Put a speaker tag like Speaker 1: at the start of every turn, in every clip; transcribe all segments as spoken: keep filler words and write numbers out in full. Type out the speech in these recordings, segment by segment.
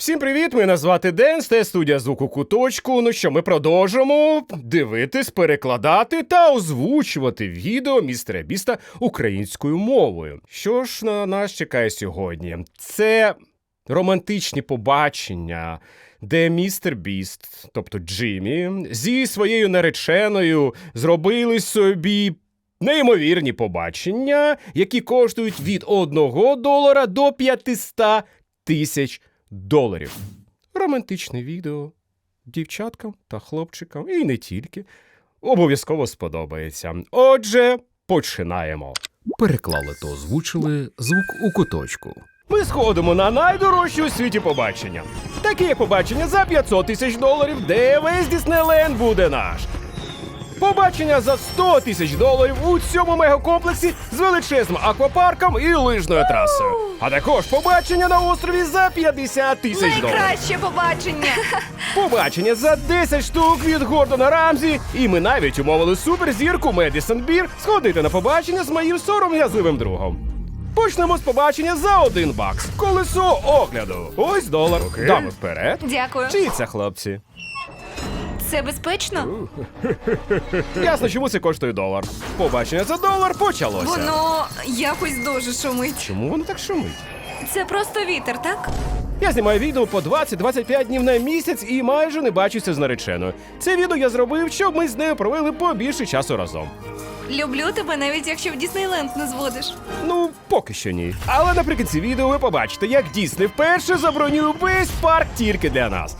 Speaker 1: Всім привіт, мене звати Ден, це студія звуку Куточку. Ну що, ми продовжимо дивитись, перекладати та озвучувати відео містера Біста українською мовою. Що ж на нас чекає сьогодні? Це романтичні побачення, де містер Біст, тобто Джиммі, зі своєю нареченою зробили собі неймовірні побачення, які коштують від одного долара до п'ятисот тисяч доларів. Романтичне відео дівчаткам та хлопчикам, і не тільки, обов'язково сподобається. Отже, починаємо.
Speaker 2: Переклали та озвучили звук у куточку.
Speaker 1: Ми сходимо на найдорожчі у світі побачення. Таке побачення за п'ятсот тисяч доларів, де весь Діснейленд буде наш. Побачення за сто тисяч доларів у цьому мегакомплексі з величезним аквапарком і лижною трасою. А також побачення на острові за п'ятдесят тисяч доларів.
Speaker 3: Найкраще побачення!
Speaker 1: Побачення за десять штук від Гордона Рамзі. І ми навіть умовили суперзірку Медісон Бір сходити на побачення з моїм сором'язливим другом. Почнемо з побачення за один бакс. Колесо огляду. Ось долар.
Speaker 2: Окей.
Speaker 1: Дами вперед.
Speaker 3: Дякую.
Speaker 1: Чиї це хлопці?
Speaker 3: Це безпечно?
Speaker 1: Ясно, чому це коштує долар. Побачення за долар почалося.
Speaker 3: Воно якось дуже шумить.
Speaker 1: Чому воно так шумить?
Speaker 3: Це просто вітер, так?
Speaker 1: Я знімаю відео по двадцять-двадцять п'ять днів на місяць і майже не бачуся з нареченою. Це відео я зробив, щоб ми з нею провели побільше часу разом.
Speaker 3: Люблю тебе, навіть якщо в Діснейленд не зводиш.
Speaker 1: Ну, поки що ні. Але наприкінці відео ви побачите, як Дісней вперше забронює весь парк тільки для нас.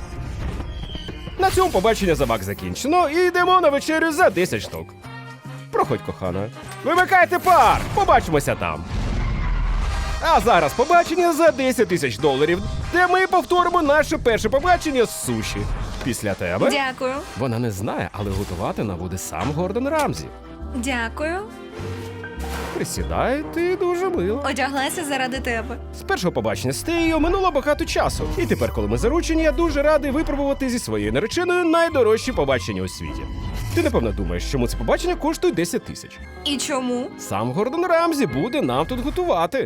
Speaker 1: На цьому побачення за бак закінчено і йдемо на вечерю за десять штук. Проходь, кохана. Вимикайте парк! Побачимося там. А зараз побачення за десять тисяч доларів, де ми повторимо наше перше побачення з суші. Після тебе.
Speaker 3: Дякую.
Speaker 1: Вона не знає, але готувати нам буде сам Гордон Рамзі.
Speaker 3: Дякую.
Speaker 1: Присідай, ти дуже мила.
Speaker 3: Одяглася заради тебе.
Speaker 1: З першого побачення з Теєю минуло багато часу. І тепер, коли ми заручені, я дуже радий випробувати зі своєю нареченою найдорожчі побачення у світі. Ти, напевно, думаєш, чому це побачення коштує десять тисяч.
Speaker 3: І чому?
Speaker 1: Сам Гордон Рамзі буде нам тут готувати.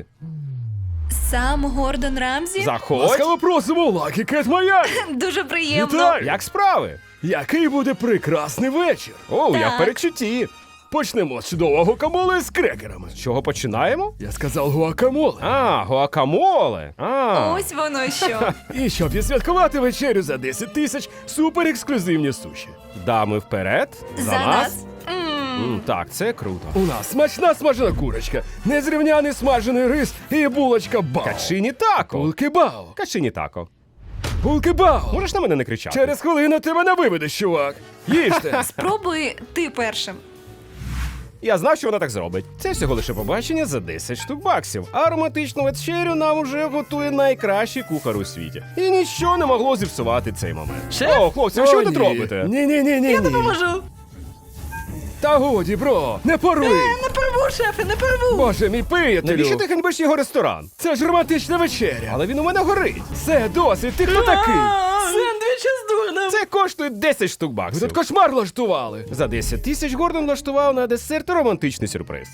Speaker 3: Сам Гордон Рамзі?
Speaker 1: Заходь!
Speaker 2: Ласкаво просимо у Lucky Cat Miami!
Speaker 3: Дуже приємно.
Speaker 2: Вітаю!
Speaker 1: Як справи?
Speaker 2: Який буде прекрасний вечір!
Speaker 1: О, я в
Speaker 3: Так.
Speaker 1: передчутті.
Speaker 2: Почнемо з чудового гуакамоле з крекерами.
Speaker 1: З чого починаємо?
Speaker 2: Я сказав гуакамоле.
Speaker 1: А, гуакамоле. А.
Speaker 3: Ось воно що.
Speaker 2: І щоб відсвяткувати вечерю за десять тисяч, супер ексклюзивні суші.
Speaker 1: Дами вперед.
Speaker 3: За нас. М.
Speaker 1: М, так, це круто.
Speaker 2: У нас смачна смажена курочка, незрівняний смажений рис і булочка бао.
Speaker 1: Качині тако.
Speaker 2: Булки бао.
Speaker 1: Качині тако.
Speaker 2: Булки бао.
Speaker 1: Можеш на мене не кричати?
Speaker 2: Через хвилину ти мене виведеш, чувак. Їжте.
Speaker 3: Спробуй ти першим.
Speaker 1: Я знав, що вона так зробить. Це всього лише побачення за десять штук баксів. А романтичну вечерю нам уже готує найкращий кухар у світі. І нічого не могло зіпсувати цей момент.
Speaker 3: Шеф?
Speaker 1: О, хлопці, ви що ви тут робите?
Speaker 2: Ні-ні-ні-ні.
Speaker 3: Я допоможу.
Speaker 2: Та годі, бро, не поруй.
Speaker 3: Не порву, шефе, не порву.
Speaker 2: Боже мій
Speaker 1: Навіщо
Speaker 2: приятелю.
Speaker 1: ти ганьбиш його ресторан?
Speaker 2: Це ж романтична вечеря.
Speaker 1: Але він у мене горить.
Speaker 2: Все, досить, ти хто такий?
Speaker 3: Сендвічі з дурнем.
Speaker 1: Це коштує десять штук
Speaker 2: Ви
Speaker 1: баксів.
Speaker 2: тут кошмар влаштували.
Speaker 1: За десять тисяч Гордон влаштував на десерт романтичний сюрприз.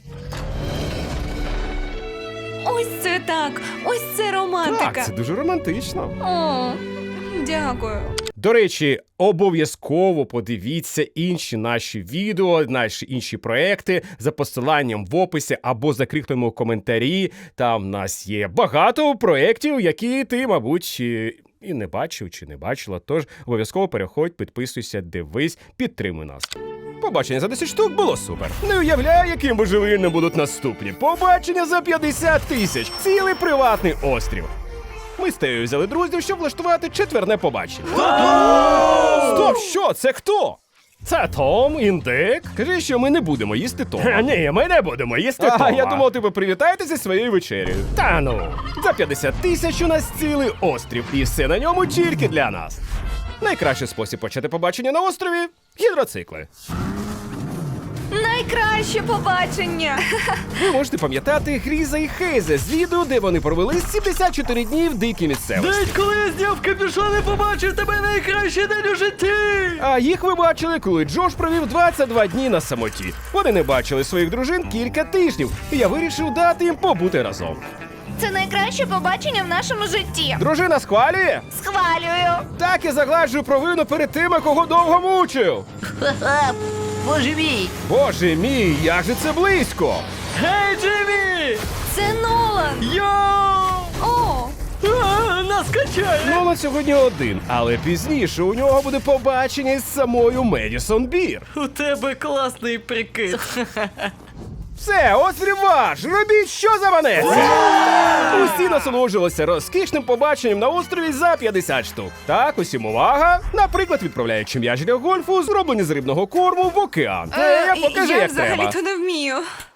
Speaker 3: Ось це так. Ось це романтика.
Speaker 1: Так, це дуже романтично.
Speaker 3: О, дякую.
Speaker 1: До речі, обов'язково подивіться інші наші відео, наші інші проекти за посиланням в описі або закріпленому в коментарі. Там в нас є багато проєктів, які ти, мабуть, і і не бачив чи не бачила. Тож обов'язково переходь, підписуйся, дивись, підтримуй нас. Побачення за десять штук було супер. Не уявляю, яким божевільним будуть наступні. Побачення за п'ятдесят тисяч. Цілий приватний острів. Ми з Теєю взяли друзів, щоб влаштувати четверне побачення. Стоп, що? Це хто? Це Том, індик. Кажи, що ми не будемо їсти Тома.
Speaker 2: Ні, ми не будемо їсти
Speaker 1: А,
Speaker 2: Тома.
Speaker 1: я думав, ти ви привітаєтеся зі своєю вечерею. Та ну. За п'ятдесят тисяч у нас цілий острів, і все на ньому тільки для нас. Найкращий спосіб почати побачення на острові – гідроцикли.
Speaker 3: Найкраще побачення.
Speaker 1: Ви можете пам'ятати Гріза і Хейза з відео, де вони провели сімдесят чотири дні в дикій місцевості.
Speaker 4: Навіть коли я зняв капюшон і побачив тебе найкращий день у житті!
Speaker 1: А їх ви бачили, коли Джош провів двадцять два дні на самоті. Вони не бачили своїх дружин кілька тижнів, і я вирішив дати їм побути разом.
Speaker 5: Це найкраще побачення в нашому житті.
Speaker 1: Дружина схвалює?
Speaker 5: Схвалюю.
Speaker 1: Так і загладжую провину перед тими, кого довго мучив.
Speaker 6: Ха-ха, боже мій!
Speaker 1: Боже мій, як же це близько!
Speaker 4: Гей, Джиммі!
Speaker 3: Це Нолан!
Speaker 4: Йоу!
Speaker 3: О!
Speaker 4: А, нас качає!
Speaker 1: Нолан сьогодні один, але пізніше у нього буде побачення із самою Медісон Бір.
Speaker 4: У тебе класний прикид.
Speaker 1: Все, ось реванш! Робіть, що заманеться! Усі насолоджувалися розкішним побаченням на острові за п'ятдесят штук. Так, усім увага! Наприклад, відправляючи м'яч для гольфу, зроблені з рибного корму в океан. Е, я покажи,
Speaker 3: я
Speaker 1: як треба.
Speaker 3: взагалі-то не вмію.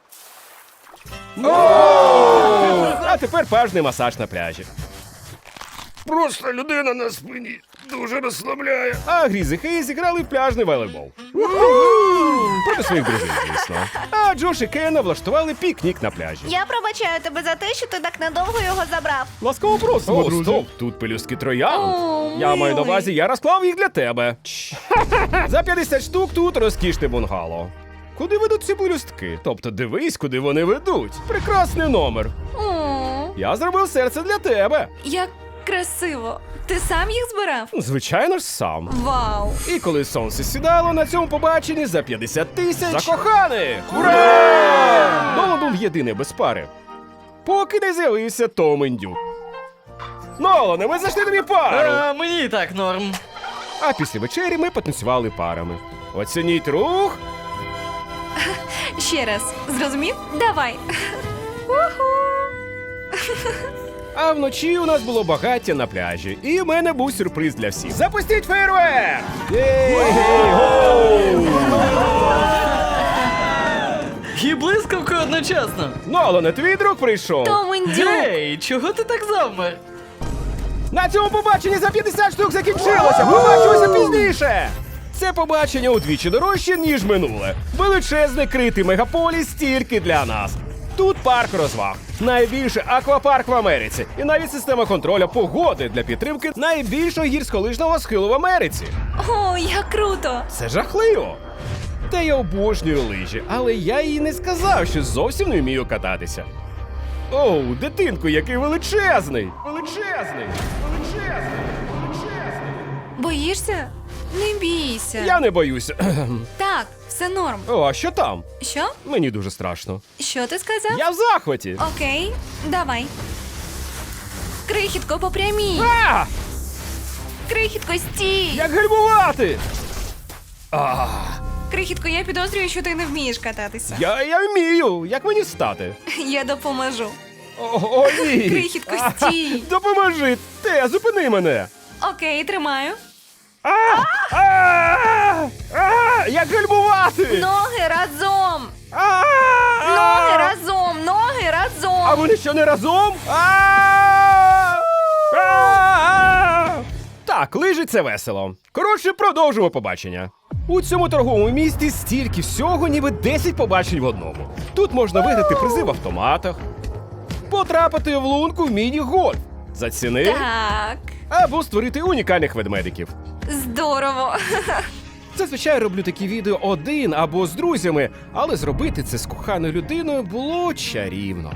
Speaker 1: А тепер пажний масаж на пляжі.
Speaker 2: Просто людина на спині дуже розслабляє.
Speaker 1: А Гріз і Хейзі грали в пляжний волейбол. Проти своїх друзів, звісно. А Джош і Кена влаштували пікнік на пляжі.
Speaker 5: Я пробачаю тебе за те, що ти так надовго його забрав.
Speaker 1: Ласкаво просимо,
Speaker 2: О,
Speaker 1: друзі.
Speaker 2: стоп,
Speaker 1: Тут пелюстки троянд.
Speaker 3: О,
Speaker 1: Я маю на
Speaker 3: милий.
Speaker 1: увазі, я розклав їх для тебе. За п'ятдесят штук тут розкішне бунгало. Куди ведуть ці пелюстки? Тобто дивись, куди вони ведуть. Прекрасний номер.
Speaker 3: О,
Speaker 1: Я зробив серце для тебе.
Speaker 3: як красиво. Ти сам їх збирав?
Speaker 1: Звичайно ж сам.
Speaker 3: Вау!
Speaker 1: І коли сонце сідало на цьому побаченні за п'ятдесят тисяч закоханих! Ура! Нолан був єдиний без пари. Поки не з'явився Том Індюк. Нолане, ми знайшли тобі пару!
Speaker 4: А, мені і так норм.
Speaker 1: А після вечері ми потанцювали парами. Оцініть рух.
Speaker 3: Ще раз. Зрозумів? Давай. Уху!
Speaker 1: А вночі у нас було багаття на пляжі. І в мене був сюрприз для всіх. Запустіть фейерверк! Єй-гей-гоу!
Speaker 4: І блискавкою одночасно.
Speaker 1: Нолане, твій друг прийшов.
Speaker 3: Том Індюк!
Speaker 4: Гей, чого ти так завмер?
Speaker 1: На цьому побаченні за п'ятдесят штук закінчилося! Побачимося пізніше! Це побачення удвічі дорожче, ніж минуле. Величезний критий мегаполіс тільки для нас. Тут парк розваг, найбільший аквапарк в Америці, і навіть система контролю погоди для підтримки найбільшого гірськолижного схилу в Америці.
Speaker 3: О, як круто!
Speaker 1: Це жахливо. Та я обожнюю лижі, але я їй не сказав, що зовсім не вмію кататися. Оу, дитинку, який величезний! Величезний! Величезний! Величезний!
Speaker 3: Боїшся? Не бійся.
Speaker 1: Я не боюся.
Speaker 3: Так, все норм.
Speaker 1: О, а що там?
Speaker 3: Що?
Speaker 1: Мені дуже страшно.
Speaker 3: Що ти сказав?
Speaker 1: Я в захваті.
Speaker 3: Окей, давай. Крихітко, попрямій.
Speaker 1: А!
Speaker 3: Крихітко, стій.
Speaker 1: Як гальмувати?
Speaker 3: Крихітко, я підозрюю, що ти не вмієш кататися.
Speaker 1: Я, я вмію. Як мені стати?
Speaker 3: Я допоможу.
Speaker 1: О, о ні.
Speaker 3: Крихітко, стій.
Speaker 1: А, допоможи. Те, зупини мене.
Speaker 3: Окей, тримаю.
Speaker 1: А! А! А! Як гальмувати?
Speaker 5: Ноги разом!
Speaker 1: А!
Speaker 5: Ноги разом! Ноги разом!
Speaker 1: А вони що, не разом? А! А! Так, лижі це весело. Коротше, продовжимо побачення. У цьому торговому місті стільки всього, ніби десять побачень в одному. Тут можна виграти призи в автоматах, потрапити в лунку в міні-гольф за ціни,
Speaker 3: Так.
Speaker 1: або створити унікальних ведмедиків.
Speaker 3: Здорово.
Speaker 1: Зазвичай роблю такі відео один або з друзями, але зробити це з коханою людиною було чарівно.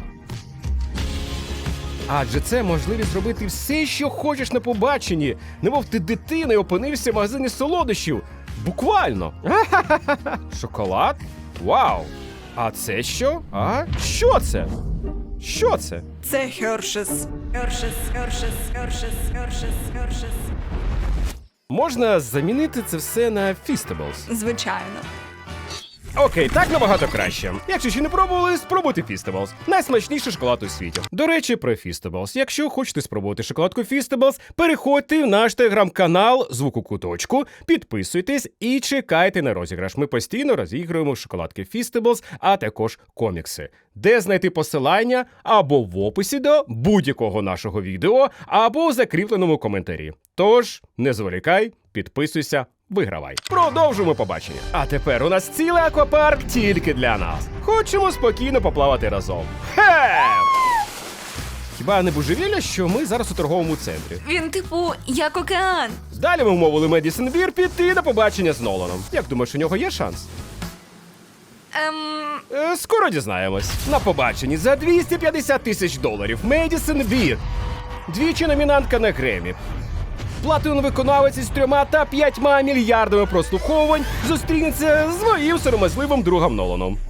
Speaker 1: Адже це можливість зробити все, що хочеш на побаченні, немов ти дитина і опинився в магазині солодощів. Буквально. Шоколад? Вау! А це що? А? Що це? Що це?
Speaker 3: Це Хершес. Хершес, Хершес, Хершес, Хершес, Хершес.
Speaker 1: Можна замінити це все на Feastables.
Speaker 3: Звичайно.
Speaker 1: Окей, так набагато краще. Якщо ще не пробували, спробуйте Feastables. Найсмачніший шоколад у світі. До речі, про Feastables. Якщо хочете спробувати шоколадку Feastables, переходьте в наш телеграм-канал Звуку Куточку, підписуйтесь і чекайте на розіграш. Ми постійно розігруємо шоколадки Feastables, а також комікси. Де знайти посилання або в описі до будь-якого нашого відео, або у закріпленому коментарі. Тож, не зволікай, підписуйся, вигравай. Продовжуємо побачення. А тепер у нас цілий аквапарк тільки для нас. Хочемо спокійно поплавати разом. Хе! Хіба не божевілля, що ми зараз у торговому центрі?
Speaker 3: Він, типу, як океан.
Speaker 1: Далі ми вмовили Медісон Бір піти на побачення з Ноланом. Як думаєш, у нього є шанс?
Speaker 5: Ем,
Speaker 1: Е, Скоро дізнаємось. На побаченні за двісті п'ятдесят тисяч доларів Медісон Бір. Двічі номінантка на Гремі. Платиновий виконавець із трьома та п'ятьма мільярдами прослуховувань зустрінеться з своїм сором'язливим другом Ноланом.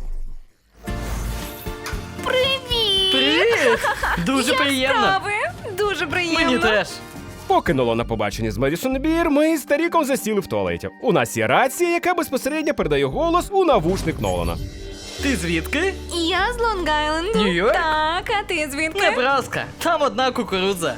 Speaker 5: привіт!
Speaker 4: Привіт! Дуже
Speaker 5: Як
Speaker 4: приємно.
Speaker 5: справи? Дуже приємно.
Speaker 4: Мені теж.
Speaker 1: Поки Нолан на побаченні з Медісон Бір, ми з Таріком засіли в туалеті. У нас є рація, яка безпосередньо передає голос у навушник Нолана.
Speaker 4: Ти звідки?
Speaker 5: Я з Лонг-Айленду.
Speaker 4: Нью-Йорк?
Speaker 5: Так, а ти звідки?
Speaker 4: Небраска. Там одна кукурудза.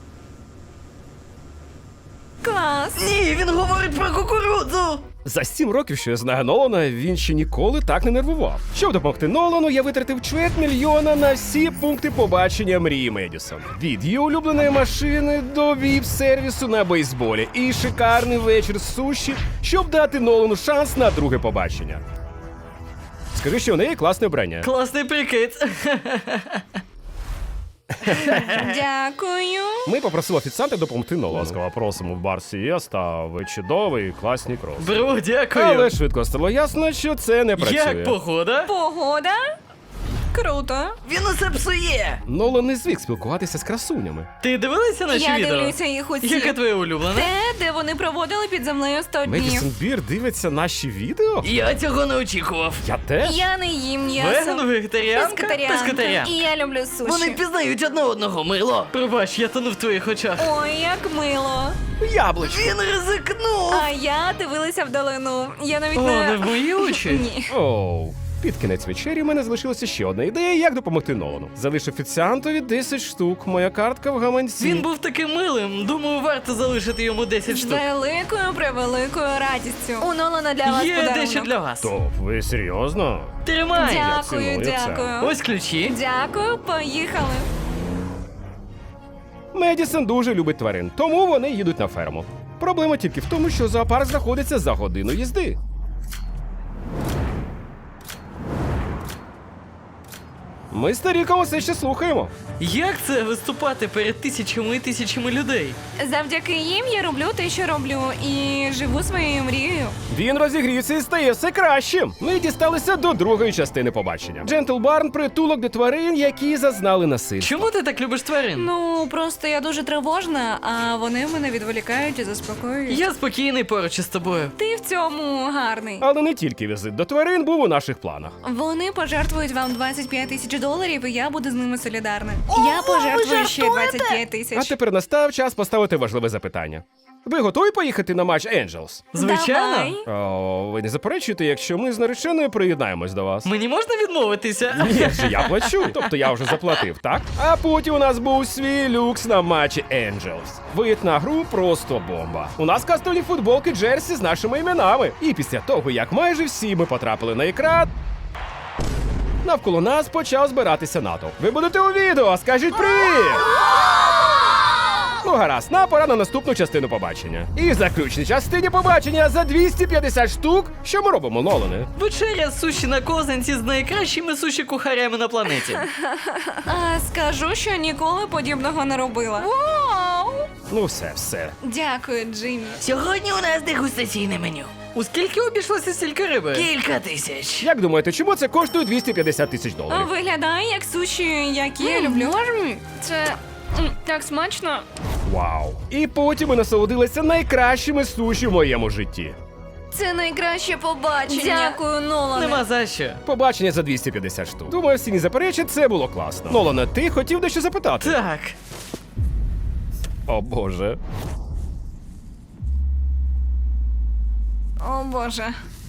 Speaker 5: Клас.
Speaker 4: Ні, він говорить про кукурудзу.
Speaker 1: За сім років, що я знаю Нолана, він ще ніколи так не нервував. Щоб допомогти Нолану, я витратив чверть мільйона на всі пункти побачення мрії Медісон. Від її улюбленої машини до віп-сервісу на бейсболі і шикарний вечір з суші, щоб дати Нолану шанс на друге побачення. Скажи, що у неї класне вбрання.
Speaker 4: Класний прикид.
Speaker 5: Дякую.
Speaker 1: Ми попросили офіціанта допомогти Нолану. Ласкаво просимо в бар Сієста, ви чудовий, класні кроси.
Speaker 4: Бро, дякую.
Speaker 1: Але швидко стало ясно, що це не працює.
Speaker 4: Як погода?
Speaker 5: Погода? Круто.
Speaker 6: Він усе псує.
Speaker 1: Нолан не звик спілкуватися з красунями.
Speaker 4: Ти дивилася наші
Speaker 5: Я
Speaker 4: відео?
Speaker 5: дивлюся їх усі.
Speaker 4: Яке твоє улюблене?
Speaker 5: Те, де вони проводили під землею сто днів.
Speaker 1: Медісон Бір дивиться наші відео?
Speaker 6: Я цього не очікував.
Speaker 1: Я теж?
Speaker 5: Я не їм м'ясо.
Speaker 4: Веган, вегетаріанка,
Speaker 5: Пескатаріанка.
Speaker 4: пескатаріанка.
Speaker 5: І я люблю суші.
Speaker 6: Вони впізнають одне одного, мило.
Speaker 4: Пробач, я тону в твоїх очах.
Speaker 5: Ой, як мило.
Speaker 1: Яблучко.
Speaker 6: Він ризикнув.
Speaker 5: А я дивилася вдалину. Я навіть
Speaker 4: О,
Speaker 5: не...
Speaker 4: не в мої очі?
Speaker 5: Ні.
Speaker 1: Оу. Під кінець вечері в мене залишилася ще одна ідея, як допомогти Нолану. Залиш офіціантові десять штук, моя картка в гаманці.
Speaker 4: Він був таким милим. Думаю, варто залишити йому десять
Speaker 5: З
Speaker 4: штук.
Speaker 5: великою, превеликою радістю. У Нолана для вас
Speaker 4: Є
Speaker 5: подарунок.
Speaker 4: дещо для вас.
Speaker 1: Топ, ви серйозно?
Speaker 4: Тримай.
Speaker 5: Дякую,
Speaker 1: ціную це.
Speaker 5: дякую.
Speaker 4: Ось ключі.
Speaker 5: Дякую, поїхали.
Speaker 1: Медісон дуже любить тварин, тому вони їдуть на ферму. Проблема тільки в тому, що зоопарк знаходиться за годину їзди. Ми з Таріком все ще слухаємо.
Speaker 4: Як це виступати перед тисячами і тисячами людей?
Speaker 5: Завдяки їм я роблю те, що роблю, і живу своєю мрією.
Speaker 1: Він розігрівся і стає все кращим. Ми дісталися до другої частини побачення. Джентл Барн – притулок для тварин, які зазнали насильства.
Speaker 4: Чому ти так любиш тварин?
Speaker 5: Ну, просто я дуже тривожна, а вони мене відволікають і заспокоюють.
Speaker 4: Я спокійний поруч із тобою.
Speaker 5: Ти в цьому гарний.
Speaker 1: Але не тільки візит до тварин був у наших планах.
Speaker 5: Вони пожертвують вам двадцять п'ять тисяч доларів, і я буду з ними солідарна. я пожертвую ще двадцять п'ять
Speaker 1: А
Speaker 5: тисяч.
Speaker 1: тепер настав час поставити важливе запитання. Ви готові поїхати на матч Angels?
Speaker 4: Звичайно.
Speaker 5: Давай.
Speaker 1: О, ви не заперечуєте, якщо ми з нареченою приєднаємось до вас?
Speaker 4: Мені можна відмовитися?
Speaker 1: Ні, же я плачу, тобто я вже заплатив, так? А потім у нас був свій люкс на матчі Angels. Вид на гру просто бомба. У нас кастомні футболки Джерсі з нашими іменами. І після того, як майже всі ми потрапили на екран, навколо нас почав збиратися натовп. Ви будете у відео, скажіть привіт! Ну гаразд, нам пора на наступну частину побачення. І в заключній частині побачення за двісті п'ятдесят штук, що ми робимо, Нолане?
Speaker 4: Вечеря з суші на козанці з найкращими суші-кухарями на планеті.
Speaker 5: А, скажу, що ніколи подібного не робила. Вау!
Speaker 1: Ну все, все.
Speaker 5: Дякую, Джиммі.
Speaker 6: Сьогодні у нас дегустаційне меню.
Speaker 4: У скільки обійшлося стільки риби?
Speaker 6: Кілька тисяч.
Speaker 1: Як думаєте, чому це коштує двісті п'ятдесят тисяч доларів?
Speaker 5: Виглядає як суші, які я люблю. Це м, так смачно.
Speaker 1: Вау. І потім ми насолодилися найкращими суші в моєму житті.
Speaker 5: Це найкраще побачення. Дякую, Нолане.
Speaker 4: Нема за що.
Speaker 1: Побачення за двісті п'ятдесят штук. Думаю, всі не заперечать, це було класно. Нолане, ти хотів дещо запитати?
Speaker 4: Так.
Speaker 1: О боже.
Speaker 5: О, Боже.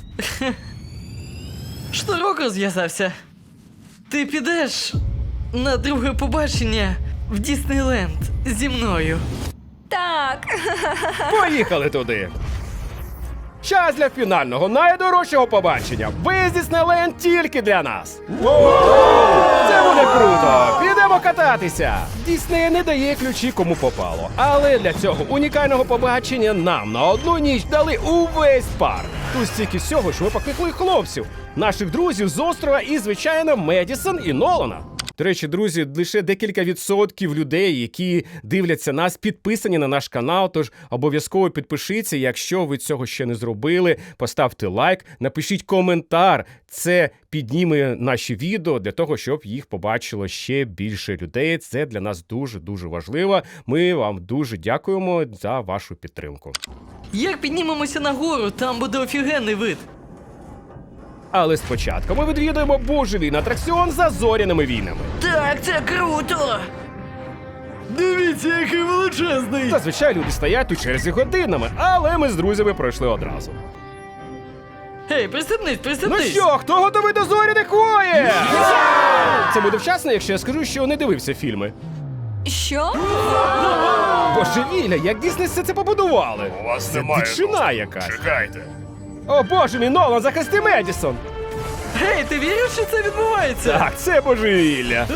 Speaker 4: Шнурок розв'язався. Ти підеш на друге побачення в Діснейленд зі мною.
Speaker 5: Так.
Speaker 1: Поїхали туди. Час для фінального, найдорожчого побачення. Виїзд Діснейленд тільки для нас. Це буде круто! Підемо кататися! Дісней не дає ключі кому попало. Але для цього унікального побачення нам на одну ніч дали увесь парк. Тут стільки всього, що ми покликали хлопців, наших друзів з острова і, звичайно, Медісон і Нолана. До речі, друзі, лише декілька відсотків людей, які дивляться нас, підписані на наш канал, тож обов'язково підпишіться, якщо ви цього ще не зробили, поставте лайк, напишіть коментар. Це підніме наші відео для того, щоб їх побачило ще більше людей. Це для нас дуже-дуже важливо. Ми вам дуже дякуємо за вашу підтримку.
Speaker 4: Як піднімемося нагору, там буде офігенний вид.
Speaker 1: Але спочатку ми відвідуємо божевільний атракціон за зоряними війнами.
Speaker 6: Так, це круто!
Speaker 4: Дивіться, який величезний!
Speaker 1: Зазвичай люди стоять у черзі годинами, але ми з друзями пройшли одразу.
Speaker 4: Гей, пристебнись,
Speaker 1: Ну
Speaker 4: пристебнись!
Speaker 1: що, хто готовий до зоряних воєн? Це буде вчасно, якщо я скажу, що не дивився фільми.
Speaker 5: Що?
Speaker 1: Божевілля, як Дісней все це побудували?
Speaker 2: У вас
Speaker 1: Це
Speaker 2: немає
Speaker 1: дичина
Speaker 2: доступу.
Speaker 1: якась.
Speaker 2: Чекайте.
Speaker 1: О боже мій, Нолан, захисти Медісон!
Speaker 4: Гей, ти віриш, що це відбувається?
Speaker 1: Так, це божевілля.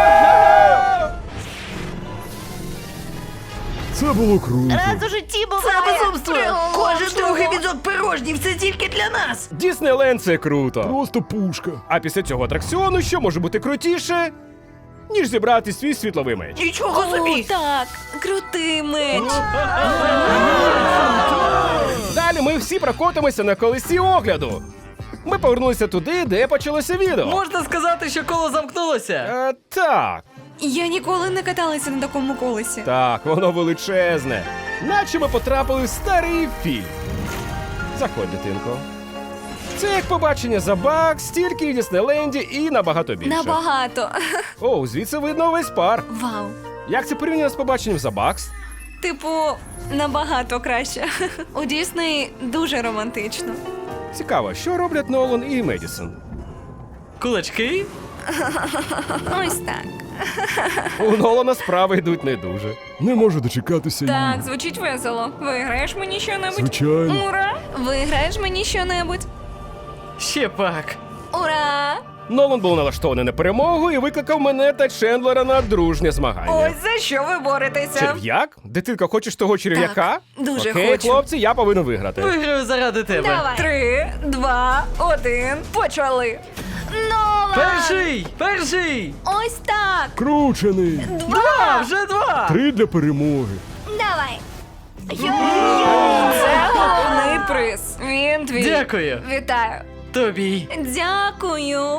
Speaker 2: Це було круто.
Speaker 6: Раз у житті буває! Це безумство! Кожен другий візок пирожнів, це тільки для нас!
Speaker 1: Діснейленд — це круто.
Speaker 2: Просто пушка.
Speaker 1: А після цього атракціону що може бути крутіше, ніж зібрати свій світловий меч?
Speaker 6: Нічого
Speaker 5: О,
Speaker 6: собі!
Speaker 5: так, крутий меч.
Speaker 1: Далі ми всі прокотимося на колесі огляду. Ми повернулися туди, де почалося відео.
Speaker 4: Можна сказати, що коло замкнулося?
Speaker 1: Е, так,
Speaker 5: Я ніколи не каталася на такому колесі.
Speaker 1: так, воно величезне. Наче ми потрапили в старий фільм. Заходь, дитинко. Це як побачення забаг, стільки в Діснейленді і набагато більше.
Speaker 5: Набагато.
Speaker 1: О, звідси видно весь парк.
Speaker 5: Вау.
Speaker 1: Як це порівняно з побаченням забакс?
Speaker 5: Типу, набагато краще. У Дісней дуже романтично.
Speaker 1: Цікаво, що роблять Нолан і Медісон?
Speaker 4: Кулачки?
Speaker 5: Ось так.
Speaker 1: У Нолана справи йдуть не дуже.
Speaker 2: Не можу дочекатися.
Speaker 5: Так, звучить весело. Виграєш мені що-небудь?
Speaker 2: Звичайно.
Speaker 5: Ура! Виграєш мені що-небудь?
Speaker 4: Ще пак.
Speaker 5: Ура!
Speaker 1: Нолан був налаштований на перемогу і викликав мене та Чендлера на дружнє змагання.
Speaker 5: Ось за що ви боретеся?
Speaker 1: Черв'як? Дитинка, хочеш того черв'яка?
Speaker 5: Так, дуже
Speaker 1: Окей,
Speaker 5: хочу.
Speaker 1: хлопці, я повинен виграти.
Speaker 4: Виграю заради тебе.
Speaker 5: Давай. Три, два, один. Почали. Нолан!
Speaker 4: Перший! Перший!
Speaker 5: Ось так.
Speaker 2: Кручений.
Speaker 4: Два! Вже два!
Speaker 2: Три для перемоги.
Speaker 5: Давай. Це головний приз. Він твій.
Speaker 4: Дякую.
Speaker 5: Вітаю.
Speaker 4: Тобі.
Speaker 5: Дякую.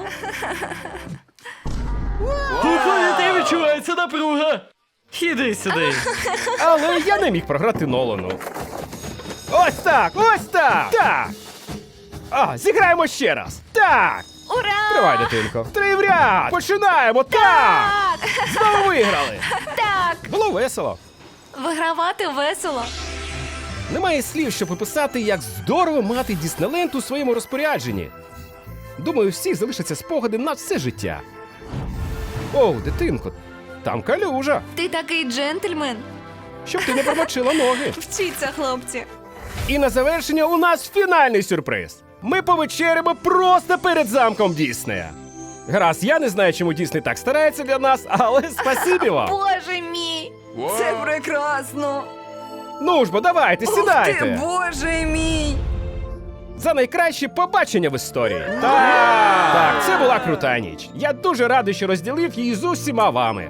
Speaker 4: У повітрі відчувається напруга. Іди сюди.
Speaker 1: Але я не міг програти Нолану. Ось так, ось так! Так! А, зіграємо ще раз. Так!
Speaker 5: Ура!
Speaker 1: Тривай, дитинко. Три в ряд! Починаємо! Так!
Speaker 5: Так.
Speaker 1: Знову виграли!
Speaker 5: Так.
Speaker 1: Було весело.
Speaker 5: Вигравати весело.
Speaker 1: Немає слів, щоб описати, як здорово мати Діснейленд у своєму розпорядженні. Думаю, у всіх залишаться спогади на все життя. Оу, дитинко, там калюжа.
Speaker 5: Ти такий джентльмен.
Speaker 1: Щоб ти не промочила ноги.
Speaker 5: Вчіться, хлопці.
Speaker 1: І на завершення у нас фінальний сюрприз. Ми повечеряємо просто перед замком Діснея. Гаразд, я не знаю, чому Дісней так старається для нас, але спасибі вам.
Speaker 5: Боже мій! Це прекрасно!
Speaker 1: Ну ж бо, давайте, сідайте.
Speaker 5: Ух ти, боже мій!
Speaker 1: За найкраще побачення в історії. Так, так, це була крута ніч. Я дуже радий, що розділив її з усіма вами.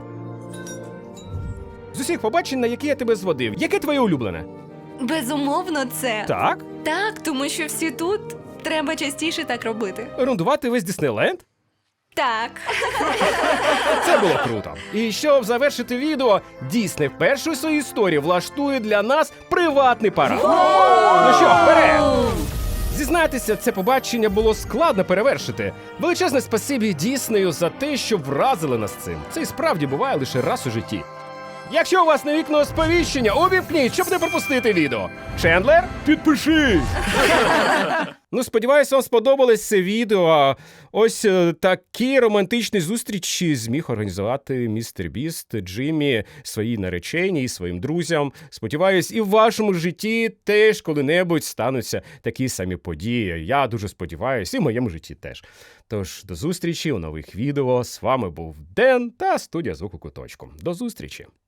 Speaker 1: З усіх побачень, на які я тебе зводив, яке твоє улюблене?
Speaker 5: Безумовно, це.
Speaker 1: Так?
Speaker 5: Так, тому що всі тут. Треба частіше так робити.
Speaker 1: Рундувати весь Діснейленд?
Speaker 5: Так.
Speaker 1: Це було круто. І щоб завершити відео, Дісней вперше у своїй історії влаштує для нас приватний парад. Ну що, вперед! Зізнайтеся, це побачення було складно перевершити. Величезне спасибі Діснею за те, що вразили нас цим. Це і справді буває лише раз у житті. Якщо у вас не вікно сповіщення, увімкніть, щоб не пропустити відео. Чендлер?
Speaker 2: Підпишись!
Speaker 1: Ну, сподіваюся, вам сподобалось це відео. Ось е, такі романтичні зустрічі зміг організувати містер Біст Джиммі своїй нареченій і своїм друзям. Сподіваюсь, і в вашому житті теж коли-небудь стануться такі самі події. Я дуже сподіваюся, і в моєму житті теж. Тож, до зустрічі у нових відео. З вами був Ден та студія Звуку Куточку. До зустрічі!